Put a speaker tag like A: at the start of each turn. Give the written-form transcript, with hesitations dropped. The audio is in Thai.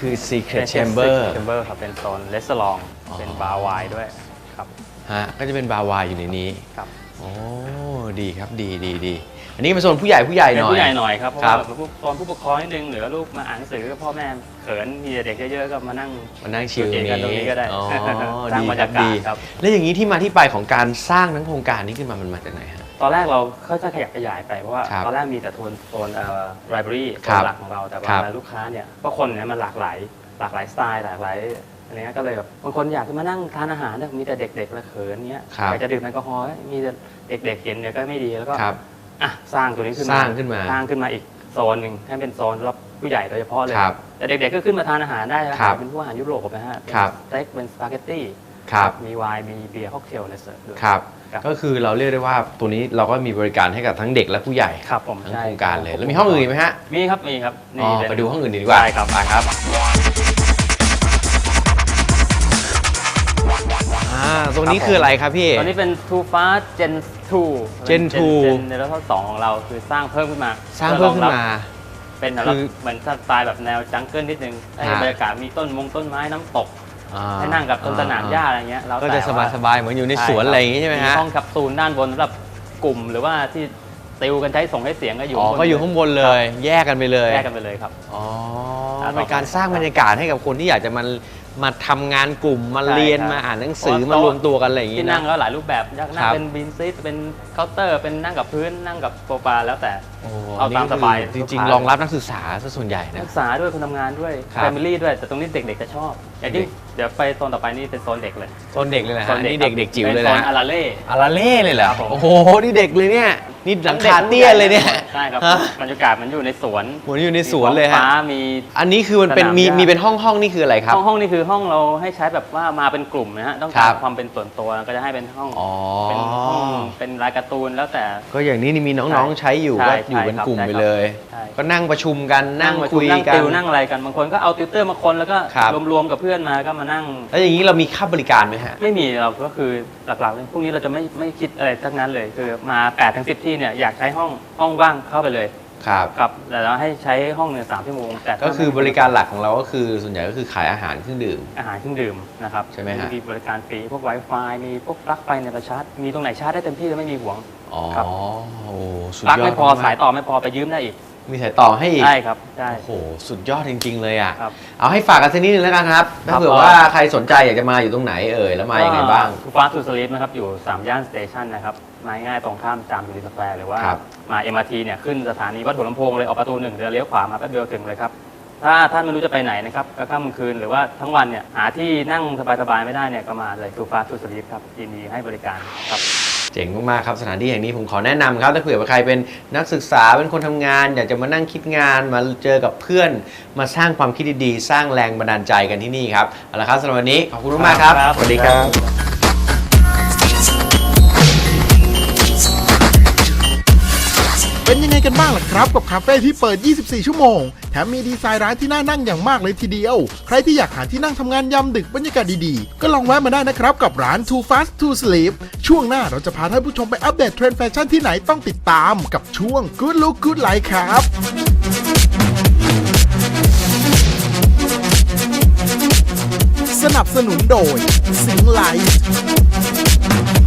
A: คือ Secret Chamber
B: ครับเป็นโซนเลสลองเป็นบาร์ไวน์ด้วยครับ
A: ฮะก็จะเป็นบาร์ไวน์อยู่ในนี้
B: ครับ
A: โอ้ดีครับดีอันนี้เป็นโซนผู้ใหญ่หน่อย
B: ผู้ใหญ่หน่อยครับเพราะว่าตอนผู้ปกครองนิดนึงหรือลูกมาอ่านหนังสือพ่อแม่เขินมีเด็กเยอะๆก็มานั่ง
A: ชิล
B: กันตรงนี้ก็ได้สร้างบรรยากาศครับ
A: แล้วอย่างนี้ที่มาที่ไปของการสร้างทั้งโครงการนี้ขึ้นมามันมาจากไหนฮะ
B: ตอนแรกเราค่อยๆขยับขยายไปเพราะว่าตอนแรกมีแต่โซนไลบรารีโซนหลักของเราแต่ว่าลูกค้าเนี่ยก็คนเนี่ยมันหลากหลายสไตล์หลากหลายอะไรเงี้ยก็เลยแบบบางคนอยากจะมานั่งทานอาหารเนี่ยมีแต่เด็กๆและเขินเงี้ยอยากจะดื่มแอลกอฮอล์มีแต่เด็กๆเห็นเนี่ยก็ไม่ดีแล้วก็สร้างตัวนี้ขึ้นมาอีกโซนหนึ่งให้เป็นโซนสำหรับผู้ใหญ่โดยเฉพาะเลยแต่เด็กๆก็ขึ้นมาทานอาหารได้นะครับเป็นพวกอาหารยุโรปนะฮะสเต็กเป็นสปาเกตตี้มีไวน์มีเบียร์ค็อกเทลอะไรเสิร์ฟด้วย
A: ก็คือเราเรียกได้ว่าตัวนี้เราก็มีบริการให้กับทั้งเด็กและผู้ใหญ่ทั้งโครงการเลยแล้วมีห้องอื่นไหมฮะ
B: มีครับ
A: ไปดูห้องอื่นดีกว่า
B: ได้ครับครับ
A: ตรงนี้คืออะไรครับพี่
B: ตรงนี้เป็น Too Fast Gen 2
A: Gen
B: ในรุ่นที่2ของเราคือสร้างเพิ่มขึ้นมาเป็นสำหรับเหมือนสไตล์แบบแนวจังเกิลนิดนึงให้บรรยากาศมีต้นไม้น้ำตกให้นั่งกับต้นสนามหญ้าอะไรเงี้ย
A: ก็จะสบายเหมือนอยู่ในสวนอะไรอย่างงี้ใช่ไหมฮะ
B: ห้องแคปซูลด้านบนสำหรับกลุ่มหรือว่าที่ติวกันใช้ส่งให้เสียงก็อยู่
A: ข้างบนเลยแยกกันไปเลย
B: ครับ
A: เป็นการสร้างบรรยากาศให้กับคนที่อยากจะมาทำงานกลุ่มมาเรียนมาอ่านหนังสือมารวมตัวกันอะไรอย่างงี้
B: ที่นั่งก็หลายรูปแบบอยากนั่งเป็นบินซีทเป็นเคาน์เตอร์เป็นนั่งกับพื้นนั่งกับโซฟาแล้วแต่เอาตามสบาย
A: จริงๆรองรับนักศึกษาซะส่วนใหญ่นะ
B: นักศึกษาด้วยคนทำงานด้วยแฟมิลี่ด้วยแต่ตรงนี้เด็กๆจะชอบอย่างที่เดี๋ยวไปโซนต่อไปนี่เป็นโซนเด็กเลย
A: นะฮะนี่เด็กจิ๋วเลยนะ
B: โซนอาราเ
A: ล่เลยเหรอโอ้โหนี่เด็กเลยเนี่ยนี่หลังคาเตี้ยเลยเนี่ย
B: ใช่ครับบรรยากาศมันอยู่ในสวน
A: เลยฮะอันนี้คือมันเป็นมีเป็นห้องนี่คืออะไรครับ
B: ห้องนี่คือห้องเราให้ใช้แบบว่ามาเป็นกลุ่มนะฮะต้องการความเป็นส่วนตัวก็จะให้เป็นห้องเป็นรายการ์ตูนแล้วแต่
A: ก็อย่างนี้มีน้องๆใช้อยู่ก็อยู่เป็นกลุ่มไปเลยก็นั่งประชุมกันนั่งคุยกัน
B: นั่งอะไรกันบางคนก็เอาติวเตอร์มาคนแล้วก็รวมๆกับเพื่อนมาก็มานั่ง
A: แล้วอย่างนี้เรามีค่าบริการไหมฮะ
B: ไม่มีเราก็คือหลักๆพวกนี้เราจะไม่คิดอะไรทั้งนั้นเลยคือมา8-10ที่เนี่ยอยากใช้ห้องว่างเข้าไปเลยครับแต่เราให้ใช้ห้อง3 ชั่วโมงแต่
A: ก็คือบริการหลักของเราก็คือส่วนใหญ่ก็คือขายอาหารเครื่องดื่ม
B: นะครับ
A: ใช่ไหมฮะ
B: มีบริการฟรีพวก Wi-Fi มีพวกปลั๊กไฟในประชาร์จมีตรงไหนชาร์จได้เต็มที่แล้วไม่มีห่วง
A: ครับ
B: ปลั๊กไม่พอสายต่อไม่พอไปยืมได้อีก
A: มีสายต่อให้อีก
B: ใช่ครับใช่
A: โอ้โหสุดยอดจริงๆเลยอ่ะเอาให้ฝากกันสักนิดนึงแล้วกันครับถ้าเผื่อว่าใครสนใจอยากจะมาอยู่ตรงไหนแล้วมายังไงบ้าง
B: Fast to Sleep นะครับอยู่3 ย่านสเตชันนะครับมาง่ายตรงข้ามจามยูนิสแควร์หรือว่ามา MRT เนี่ยขึ้นสถานีวัดหัวลำโพงเลยออกประตู1เลี้ยวขวามาแป๊บเดียวถึงเลยครับถ้าท่านไม่รู้จะไปไหนนะครับก็ค่ำกลางคืนหรือว่าทั้งวันเนี่ยหาที่นั่งสบายๆไม่ได้เนี่ยก็มาเลย Fast to Sleep ครับยินดีให้บริการครับ
A: เจ๋งมากๆครับสถานที่แห่งนี้ผมขอแนะนำครับถ้าเผื่อว่าใครเป็นนักศึกษาเป็นคนทำงานอยากจะมานั่งคิดงานมาเจอกับเพื่อนมาสร้างความคิดดีๆสร้างแรงบันดาลใจกันที่นี่ครับเอาละครับสำหรับวันนี้ขอบคุณมากครับสวัสดีครับ
C: เป็นยังไงกันบ้างล่ะครับกับคาเฟ่ที่เปิด 24 ชั่วโมงแถมมีดีไซน์ร้านที่น่านั่งอย่างมากเลยทีเดียวใครที่อยากหาที่นั่งทำงานยามดึกบรรยากาศดีๆก็ลองแวะมาได้นะครับกับร้าน Too Fast to Sleep ช่วงหน้าเราจะพาท่านผู้ชมไปอัปเดตเทรนด์แฟชั่นที่ไหนต้องติดตามกับช่วง Good Look Good Life ครับสนับสนุนโดย Sing Life